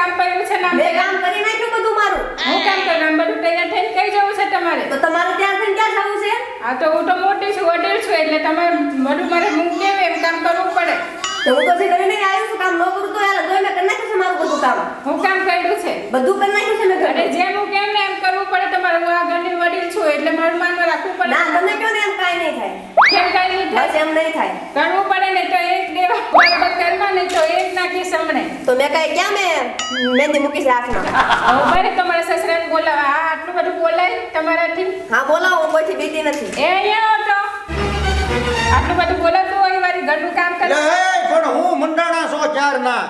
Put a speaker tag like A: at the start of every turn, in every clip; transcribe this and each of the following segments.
A: કામ કર્યું છે ને
B: મેં કામ કરી નાખ્યું બધું મારું.
A: હું કામ કરું બધું તૈયાર થઈને કઈ જવું છે તમારે
B: તો તમારે ત્યાં થઈને ક્યાં જવું છે?
A: આ તો હું તો મોટી છું વડીલ છું એટલે તમારે બધું મારે મૂકી દેવું એમ કામ કરવું પડે
B: તો હું તો હજી કરીને આવ્યો છું. કામ ન કરું તો યાર મેં કરી નાખ્યું છે મારું બધું કામ.
A: હું કામ કર્યું છે
B: બધું કરી નાખ્યું છે મેં
A: અને
B: ઘરે.
A: જેમ હું કેમ ને એમ કરવું પડે તમારે હું આ ઘરની વડીલ છું એટલે મારું માનમાં રાખવું પડે
B: ના તમે કહો ને એમ કાંઈ નહીં થાય.
A: કેમ કઈ નહીં
B: બસ
A: થાય
B: એમ નહીં થાય.
A: કરવું પડે ને તો એક દેવા બરાબર કરવા નહીં તો એક નાખી સમણે
B: તો મેં કાંઈ ક્યાં મેં મહેંદી મૂકી છે હાથમાં.
A: હું બરે તમારા સસરાને બોલાવા આ આટલું બધું બોલાય તમારાથી
B: હા બોલાવો, હું કોઈથી બીતી નથી.
A: એ અહીંયા આવો તો આટલું બધું બોલાતું હોય વારી ઘરનું કામ કરે
C: લે પણ હું મંડાણા છો ચારના.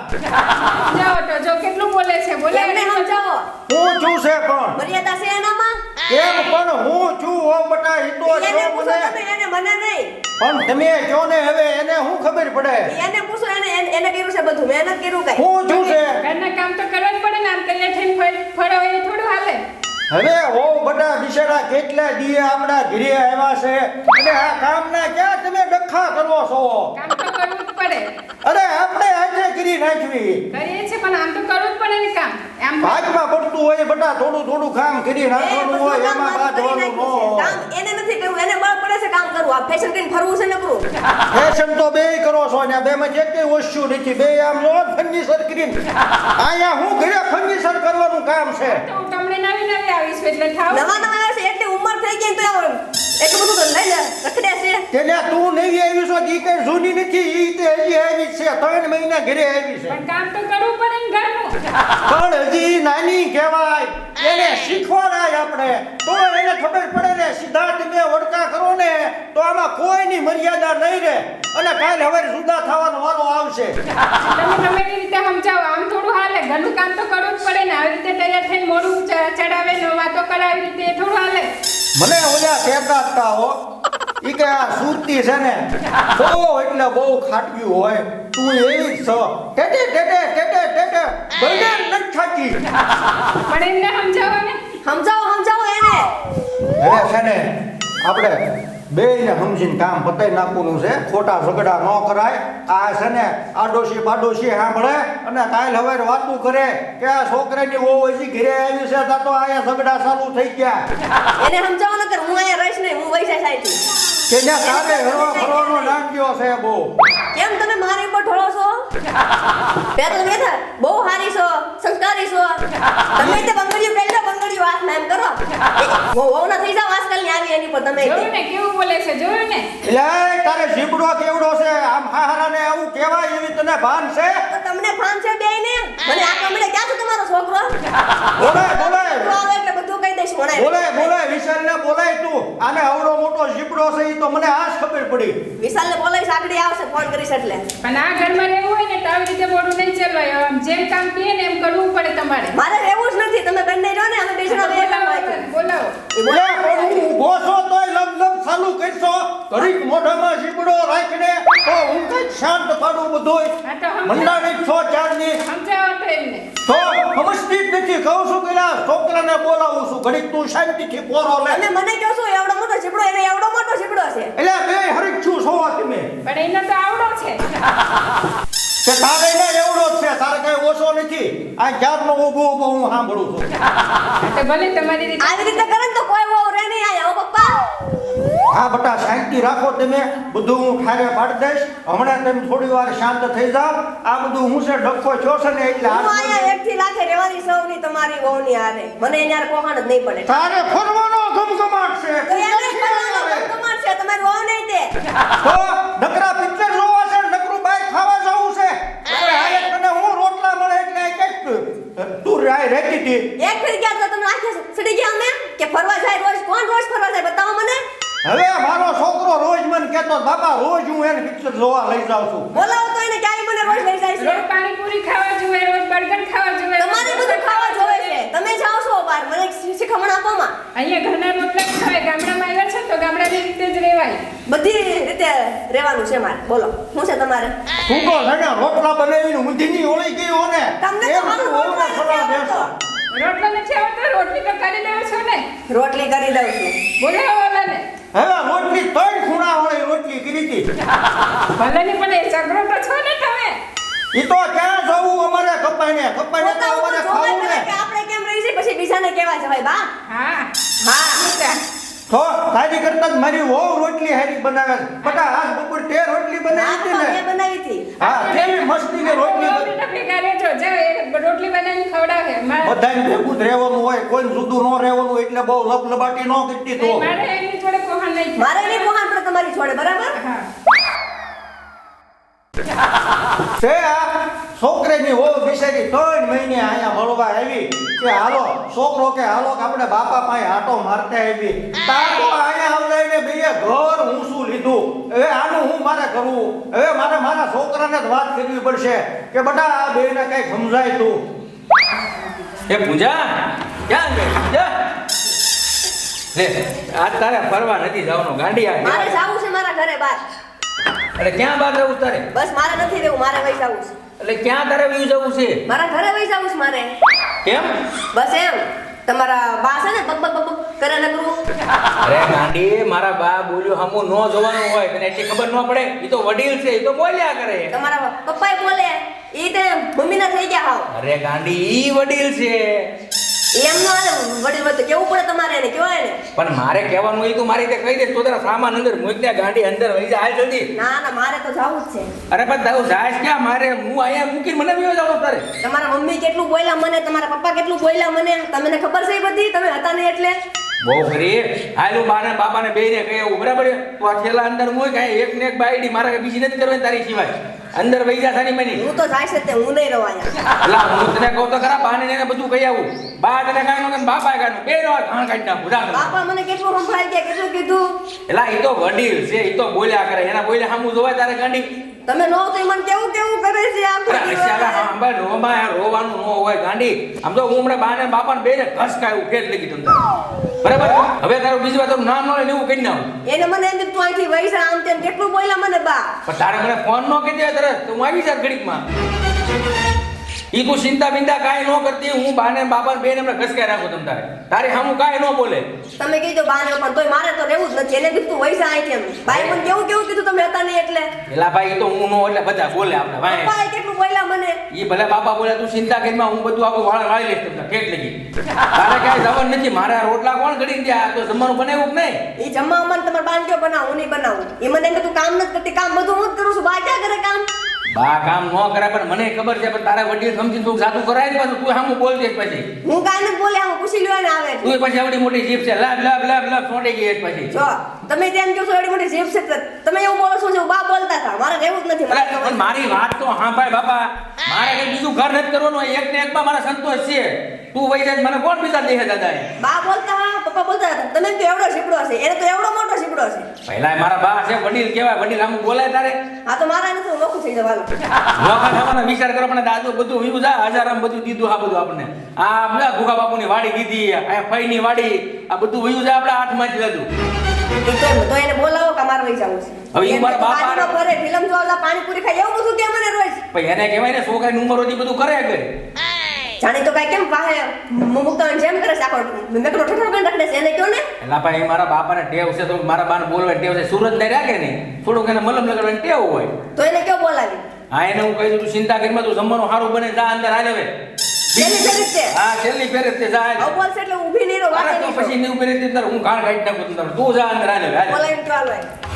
A: જાઓ તો જો કેટલું બોલે છે બોલે
B: એમને સમજાવો.
C: હું છું છે પણ
B: મર્યાદા છે એનામાં.
C: કેમ પણ હું છું ઓ બટા હિતો
B: એને
C: છો
B: પૂછો
C: મને.
B: તમે, એને મને નહીં.
C: પણ તમે જો ને હવે એને શું ખબર પડે
B: એને પૂછો, એને કર્યું છે બધું, મેં નથી કર્યું કાંઈ.
C: હું છું છે.
A: ઘરના કામ તો કરવા જ પડે ને આમ તૈયાર થઈને ફળો એ થોડું હાલે
C: હવે ઓ બટા બિચારા કેટલા દીએ આપણા ઘરે આવ્યા છે અને આ કામના ક્યાં તમે ડખા કરો છો?
A: કામ તો કરવું જ પડે
C: અરે આપણે આજે કરી નાખવી.
A: કરીએ છે પણ આમ તો કરવું જ પડે ને કામ આમ
C: ભાગમાં પડતું હોય બટા થોડું થોડું કામ કરી
B: એ
C: નાખવાનું
B: બધું
C: હોય
B: કામ
C: એમાં
B: મારું કરી
C: બાંધવાનું
B: નાખ્યું છે.
C: ન હોય.
B: કામ એને નથી કરવું, એને બળ પડે છે કામ કરવું. આ ફેશન કરીને ફરવું છે નકરું.
C: ફેશન તો બે કરો છો ને બે માં જે કઈ વસ્તુ નથી બે આમ જો ફર્નિચર કરીને અહીંયા હું ઘરે ફર્નિચર કરવાનું કામ છે.
A: તો હું તમને નવી નવી આવીશું એટલે થાવ
B: નવા નવા આવે છે એટલી ઉંમર થઈ ગઈ તો આમ એટલું બધું તો લઈ લે રખડે છે.
C: તેને તું નવી આવી છો ઈ કઈ જૂની નથી ઈ તે હજી આવી છે 3 મહિના ઘરે આવી છે
A: પણ કામ તો કરવું પડે ને ઘરનું
C: પણ હજી નાની કહેવાય એને શીખવાડાય આપણે તો એને ખબર પડે ને સીધા તમે વડકા કરો ને તો આમાં કોઈની મર્યાદા નહીં રહે અને કાલ હવે જુદા થવાનો વારો આવશે.
A: તમે ગમે તે રીતે સમજાવો આમ થોડું હાલે ઘરનું કામ તો કરવું જ પડે ને આવી રીતે તૈયાર થઈને મોઢું ચડાવે ને વાતો કરાવી રીતે એ થોડું હાલે
C: મને ઓલા કહેતા હતા હો ઈ કે આ સુરતી છે ને બહુ એટલે બહુ ખાટક્યું હોય તું એવી જ છો ટેટે ટેટે ટેટે ટેટે બળે નથી ખાતી.
A: પણ એમને સમજાવો ને
B: સમજાવો એને.
C: હવે છે ને આપણે બેયને સમજીને કામ પતાઈ નાખવાનું છે ખોટા ઝઘડા ન કરાય. આ છે ને આડોશી બાડોશી સાંભળે અને કાલ હવે વાતું કરે કે આ છોકરાની વહુ હજી ઘરે આવી છે તા તો આયા ઝઘડા ચાલુ થઈ ગયા.
B: એને સમજાવો ન કર, હું અહીંયા રહીશ નહીં, હું વૈસા સાઈથી.
C: કે જ્યાં કામે હરવા ફરવાનો નાટ્યો છે બહુ.
B: કેમ તમે મારી ઉપર ઢોળો છો? પેલા તો તમે બહુ હારી છો, સંસ્કારી છો. તમે તે બંગડીયું પહેરી લો, બંગડીયું હાથમાં એમ કરો. વહુ ના થઈ જાવ આજકાલની આવી એની પર તમે.
A: જોયું ને કેવું બોલે છે જોયું ને
C: એટલે તારે જીબડો કેવડો છે આમ હારાને આવું કહેવાય એવી તને ભાન છે?
B: તો તમને ભાન છે બેયને? મને આ કમળે ક્યાં છે તમારો છોકરો?
C: બોલાય બોલાય
B: છોકરો આવે એટલે બધું કહી દઈશ મને.
C: બોલાય બોલાય વિશાલને બોલાય તું. આને આવડો મોટો જીબડો છે ઈ તો મને આજ ખબર પડી.
B: વિશાલને બોલાવીશ, આગળ આવશે ફોન કરીશ એટલે.
A: પણ આ ઘરમાં રહેવું હોય ને તો આવી રીતે મોઢું નહીં ચલાવાય આમ જેમ કામ કહે ને એમ કરવું પડે તમારે
B: મારે રહેવું જ નથી, તમે બંને રહો ને, અમે બે જણા બે કામ હોય.
A: બોલાવો
B: એ બોલો.
C: લે પણ હું ઊભો છો તોય લમ ચાલુ કરશો ઘડીક મોઢામાં જીબડો રાખીને તો હું કઈ શાંત પાડું બધુંય.
A: આ તો સમજાવો
C: મંડાણી છો ચારની
A: સમજાવો તો એમને
C: તો સમજતી જ નથી. કહું છું કે ના છોકરાને બોલાવું છું ઘડીક તું શાંતિથી પોરો લે.
B: તમે મને કહો છો એવડો મોટો ઝીબડો, એને એવડો મોટો ઝીબડો છે.
C: એટલે બે હરખું છો તમે
A: પણ એનો તો આવડો છે
C: કે તારે એને એવડો જ છે તારે કઈ ઓછો નથી. આ ક્યારનો ઊભો ઊભો હું સાંભળું છું.
A: આ તો ભલે તમારી રીતે
B: આવી રીતે કરે ને તો કોઈ વહુ રહે નહીં આયા, હો પપ્પા.
C: હા બટા શાંતિ રાખો તમે બધું હું ઠારે પાડી દઈશ. હમણાં તમે થોડી વાર શાંત થઈ જાવ. આ બધું હું છે ડખો છો છે ને એટલે
B: હું આયા એકથી લાખે રહેવાની સૌની તમારી વહુની હારે. મને એની હારે કોહાણ જ નહીં પડે.
C: તારે ફરવાનો ગમગમાટ છે.
B: તો એને જ કરવાનો ગમગમાટ છે, તમારી વહુ નહીં તે.
C: તો નકરા પિક્ચર જોવા છે નકરું બાઈક ખાવા જવું છે. અરે હાય તને હું રોટલા મળે એટલે કે તું રાય રહેતી હતી.
B: એક ફેર ગયા તો તમે આખે સડી ગયા અમે કે ફરવા જાય રોજ? કોણ રોજ ફરવા જાય બતાવો મને.
C: હવે મારો છોકરો રોજ મને કહેતો બાપા રોજ હું એને પિક્ચર જોવા લઈ જાઉં છું.
B: બોલાવો તો એને ક્યાંય મને રોજ લઈ જાય છે.
A: રોજ પાણીપુરી ખાવા જોઈએ રોજ બર્ગર ખાવા જોઈએ
B: તમારે બધું ખાવા જોવે છે. તમે જાઓ છો બહાર, મને શીખમણ આપો માં.
A: અહીંયા ઘરના રોટલા જ ખાય ગામડામાં આવ્યા છે તો ગામડાની રીતે જ રહેવાય
B: બધી રીતે રહેવાનું છે મારે. બોલો શું છે તમારે?
C: તું તો છે ને રોટલા બનાવીને ઊંધીની ઓળી ગઈ હો ને
B: તમને તો
C: એમ
B: મારું
C: તું
B: રોટલા
C: ઓળો
B: નથી
C: ફરવા બેસો.
B: આવડતો.
A: રોટલા નથી આવતો રોટલી તો કરી દેવો છો ને
B: રોટલી કરી દઉં છું.
A: બોલાવો ઓલાને
C: હવે રોટલી 3 ખૂણા વાળી રોટલી કરી હતી.
A: ભલે ની પણ એ ઝઘડો તો છો ને તમે
C: ઈ તો ક્યાં જવું અમારે કપાઈને તો
B: પોતા ઉપર
C: અમારે
B: જોવા
C: ખાવું
B: કરે
C: ને
B: કે આપણે કેમ રહી છે પછી બીજાને કેવા જવાય બા
A: હા
B: હા
A: મીતા.
C: તો તારી કરતા જ મારી વહુ રોટલી હારી બનાવે છે. બટા આજ બપોર તે રોટલી બનાવી હતી
B: મેં
C: ને
B: બનાવી હતી
C: હા કેવી મસ્તી ને રોટલી
A: બહુ બેટા ભેગા રહેજો. જાઓ, એક રોટલી બનાવીને ખવડાવે.
C: બધાને ભેગું જ રહેવાનું હોય કોઈ જુદું ન રહેવાનું એટલે બહુ લપલબાટી ન કરતી તો
A: મારે એની જોડે કોહણ નહીં થાય.
B: મારે નહીં કોહાન પડે તમારી જોડે બરાબર
A: હા
C: છે આ છોકરીની વહુ બિચારી 3 મહિને અહીંયા મળવા આવી કે હાલો છોકરો કે હાલો કે આપણે બાપા પાસે આટો મારતા આવી તાકો અહીંયા આવલાઈને બેય ઘર ઊંચું લીધું. હવે આનું હું મારે કરવું? હવે મારે મારા છોકરાને જ વાત કરવી પડશે કે બટા આ બેયને કઈ સમજાય તું.
D: એ પૂજા ક્યાં ગઈ જા લે આજ તારે ફરવા નથી જવાનું ગાંડી આ
B: મારે જાવું છે મારા ઘરે બાર
D: અરે ક્યાં બહાર જવું તારે
B: બસ મારે નથી રહેવું મારે વહી જાવું છે
D: એટલે ક્યાં તારે વ્યુ જવું છે
B: મારા ઘરે વહી જાવું છે મારે
D: કેમ
B: બસ એમ તમારા બા છે ને બક બક બક કરે ન કરું
D: અરે ગાંડી મારા બા બોલ્યો હમું નો જોવાનું હોય તને એટલી ખબર ન પડે ઈ તો વડીલ છે ઈ તો બોલ્યા કરે
B: તમારા પપ્પાએ બોલે ઈ તે મમ્મીના થઈ ગયા હાવ
D: અરે ગાંડી ઈ વડીલ છે
B: એમ ન હાલે વડીલ વખતે કેવું પડે તમારે એને કહેવાય ને
D: પણ મારે કહેવાનું ઈ તું મારી રીતે કહી દે તો તારા સામાન અંદર મૂક દે ગાંડી અંદર વહી જા હાલ જલ્દી
B: ના ના મારે તો જાવું જ છે
D: અરે પણ તારું જાય ક્યાં મારે હું અહીંયા મૂકીને મને વ્યુ જવાનું તારે
B: તમારા મમ્મી કેટલું બોલ્યા મને તમારા પપ્પા કેટલું બોલ્યા મને તમને ખબર છે એ બધી તમે હતા નહીં એટલે
D: બહુ ખરી હાલું બાને બાપાને બેયને કહે એવું બરાબર છે? તું આ થેલા અંદર મૂક કાંઈ એક ને એક બાયડી મારે બીજી નથી કરવાની તારી સિવાય અંદર વહી જા સાની મની
B: હું તો જાય છે તે હું નહીં રહું અહીંયા
D: એલા હું તને કહું તો ખરા બાને ને એને બધું કહી આવું બા તને કાંઈ નો કે બાપા કાંઈ બે નો ઘાણ કાઢી નાખું જા તમે.
B: બાપા મને કેટલું સંભળાઈ ગયા કેટલું કીધું
D: એલા ઈ તો વડીલ છે ઈ તો બોલ્યા કરે એના બોલ્યા સામું જોવાય તારે ગાંડી
B: તમે નો તો ઈ મને કેવું કેવું કરે છે આમ
D: અરે અશ્યાલા સાંભળ રોવાનું ન હોય ગાંડી આમ તો હું હમણાં બાને બાપાને બેને ઘસકાયું ફેર લગી તમ બરાબર હવે તારું બીજી વાર તારું નામ ન લે ને એવું કહી નાખું
B: એને મને એમ કે તું અહીંથી વહી જા આમ તેમ કેટલું બોલ્યા મને બા
D: પણ તારે મને ફોન ન કહી દે તરત તો હું આવી જા ઘડીકમાં ઈ તું ચિંતા બિંદા કાંઈ ન કરતી હું બાને બાપાને બેને એમને ઘસકાઈ રાખું તમ તારે સામું કાંઈ ન બોલે
B: તમે કીધું બાને પણ તોય મારે તો રહેવું જ નથી એને કીધું તું વહી જા અહીંથી એમ બાઈ મને કેવું કેવું કીધું તમે હતા નહીં એટલે
D: એલા ભાઈ ઈ તો હું નો એટલે બધા બોલે આપણે ભાઈ
B: પપ્પાએ કેટલું બોલ્યા મને
D: ઈ ભલે બાપા બોલે તું ચિંતા કરીમાં હું બધું આખું વાળી લઈશ તમને ઠેઠ લગી તારે કાંઈ જવાનું નથી મારા રોટલા કોણ ઘડી દે આ તો જમવાનું બનાવ્યું કે નહીં
B: ઈ જમવા મને તમારે બાન કયો બનાવું હું નહીં બનાવું ઈ મને એમ કે તું કામ નથી કરતી કામ બધું હું જ કરું છું બા ક્યાં કરે કામ
D: બા કામ ન કરે પણ મને ખબર છે પણ તારા વડીલ સમજીને તું જાતું કરાય ને પાછું તું સામું બોલજે પછી
B: હું કાંઈ નથી બોલ્યા હું પૂછી લ્યો ને આવે
D: તું પછી આવડી મોટી જીભ છે લાભ લાભ લાભ લાભ છોડી ગઈ પછી
B: જો તમે જેમ કહો છો એડી મોટી જીભ છે તો તમે એવું બોલો છો જે બા બોલતા હતા મારે રહેવું જ નથી
D: અરે પણ મારી વાત તો હા ભાઈ બાપા મારે કઈ બીજું ઘર નથી કરવાનું એક ને એકમાં મારા સંતોષ છે તું વહી જાય મને કોણ બીજા દેહે દાદા
B: બા બોલતા હા પપ્પા બોલતા હતા તમે એમ કે એવડો શીપડો છે એને તો એવડો મોટો શીપડો છે
D: પહેલા મારા બા છે વડીલ કેવાય વડીલ આમ બોલાય તારે
B: હા તો મારા નથી હું નોખું થઈ જવાનું
D: નોખા થવાનો વિચાર કરો પણ દાદુ બધું વિયું જા હજારામ બધું દીધું આ બધું આપણને આ બધા ગુગા બાપુની વાડી દીધી આ ફઈની વાડી આ બધું વિયું જા આપણે હાથમાંથી લીધું
B: તો એને બોલાવો કે મારે વહી જવું છે
D: હવે ઈ મારા બાપા
B: બાજુમાં ફરે ફિલ્મ જોવા પાણીપુરી ખાય એવું બધું કે મને રોજ
D: પછી એને કહેવાય ને છોકરાની ઉંમરોથી બધું કરે કે
B: જાણી તો કઈ કેમ પાહે મુક્તાન જેમ કરે છે આખો મેકનો ઠઠો કરીને રાખે છે એને કયો ને
D: એલા ભાઈ મારા બાપાને ટેવ છે તો મારા બાને બોલવાની ટેવ છે સુરત ને રાખે ને થોડુંક એને મલમ લગાડવાની ટેવ હોય
B: તો એને કયો બોલાવી
D: હા એને હું કહી દઉં તું ચિંતા કરીમાં તું જમવાનું સારું બને જા અંદર હાલ હવે
B: છેલ્લી ફેરી જ છે
D: હા છેલ્લી ફેરે તે જા હાલ.
B: હવે બોલશે એટલે ઊભી નહીં રહો
D: અરે
B: વાતે
D: તો
B: નહીં
D: પછી નહીં ઉભી રહેતી તારે હું ગાળ કાઢી નાખું તારે તું જા અંદર હાલ હવે હાલ.
B: બોલાવીને ચાલો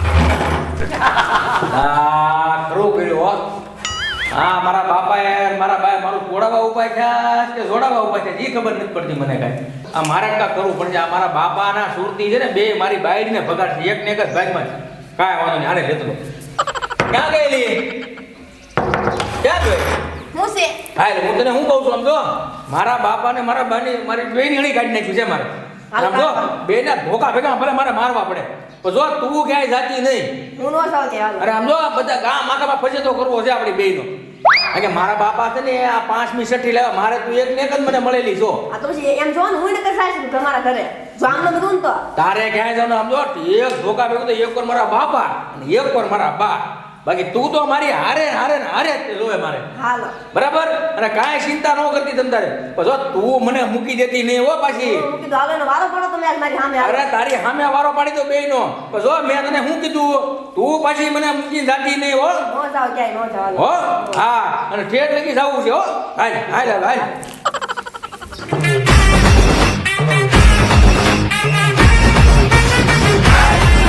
D: આ ખરું કર્યું હો હા મારા બાપાએ મારા બાએ મારું તોડાવા ઉપાય થયા કે જોડાવા ઉપાય થયા એ ખબર નથી પડતી મને કાંઈ આ મારે કાંઈ કરવું પડશે આ મારા બાપાના સુરતી છે ને બે મારી બાયડીને ભગાડશે એક ને એક જ ભાગમાં કાંઈ વાંધો નહીં આને લેતો લો. ક્યાં ગયેલી ક્યાં ગઈ
B: હું છે
D: હા એટલે હું તને શું કહું છું સમજો મારા બાપાને મારા બાની મારી બેની હળી કાઢી નાખ્યું છે મારે સમજો બેના ધોકા ભેગા ભલે મારે મારવા પડે તો જો તું ક્યાંય જાતી નહીં
B: હું નો સાવ કે હાલો
D: અરે આમ જો બધા ગામ આખામાં ફજેતો કરવો છે આપણી બેયનો કારણ કે મારા બાપા છે ને આ 5મી છઠ્ઠી લેવા મારે તું એક ને એક જ મને મળેલી છો
B: આ તો પછી એમ જો ને હું નકર થાય છે તમારા ઘરે જો આમને બધું ને તો
D: તારે ક્યાંય જવાનું આમ જો એક ધોકા ભેગું તો એક વાર મારા બાપા અને એક વાર મારા બા બાકી તું તો મારી હારે હારે ને હારે જ તે જોવે મારે
B: હાલો
D: બરાબર અને કાંઈ ચિંતા ન કરતી તમ તારે પણ જો તું મને મૂકી દેતી નહીં હો પાછી
B: હું કીધું હાલો એનો વારો પડો તમે આજ મારી સામે
D: અરે તારી સામે વારો પાડી દો બેયનો પણ જો મેં તને શું કીધું તું પાછી મને મૂકીને જાતી નહીં હો
B: નો જાવ ક્યાંય નો જાવ
D: હો હા અને ઠેઠ લગી જવું છે હો હાલ હાલ હાલ હાલ